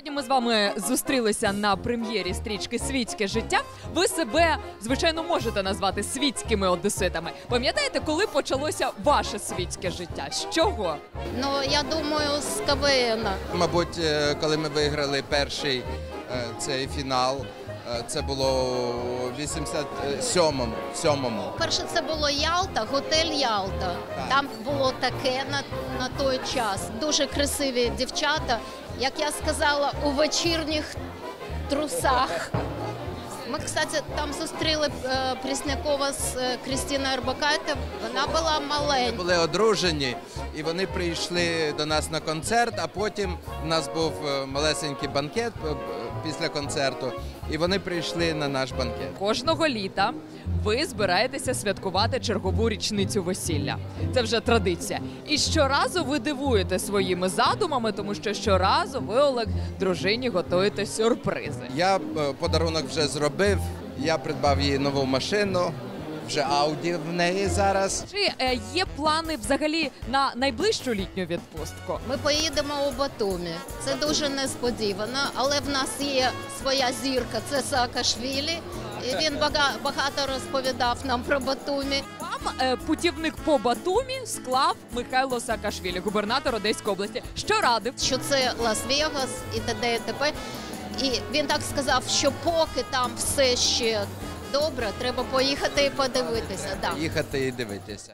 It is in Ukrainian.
Сьогодні ми з вами зустрілися на прем'єрі стрічки «Світське життя». Ви себе, звичайно, можете назвати світськими одеситами. Пам'ятаєте, коли почалося ваше світське життя? З чого? Ну, я думаю, з КВН. Мабуть, коли ми виграли перший цей фінал, це було у 87-му. Перше це було Ялта, готель Ялта. Там було таке на той час. Дуже красиві дівчата, як я сказала, у вечірніх трусах. Ми, кстати, там зустріли Преснякова з Крістіною Орбакайте. Вона була маленька. Були одружені, і вони прийшли до нас на концерт, а потім у нас був малесенький банкет після концерту, і вони прийшли на наш банкет. Кожного літа ви збираєтеся святкувати чергову річницю весілля. Це вже традиція. І щоразу ви дивуєте своїми задумами, тому що щоразу ви, Олег, дружині готуєте сюрпризи. Я подарунок вже зробив, я придбав їй нову машину, вже Ауді в неї зараз. Чи є плани взагалі на найближчу літню відпустку? Ми поїдемо у Батумі. Це дуже несподівано, але в нас є своя зірка, це Саакашвілі. І він багато розповідав нам про Батумі. Вам путівник по Батумі склав Михайло Саакашвілі, губернатор Одеської області. Що радив? Що це Лас-Вегас і т.д. і т.п. І він так сказав, що поки там все ще добре, треба поїхати і подивитися. Да. Їхати і дивитися.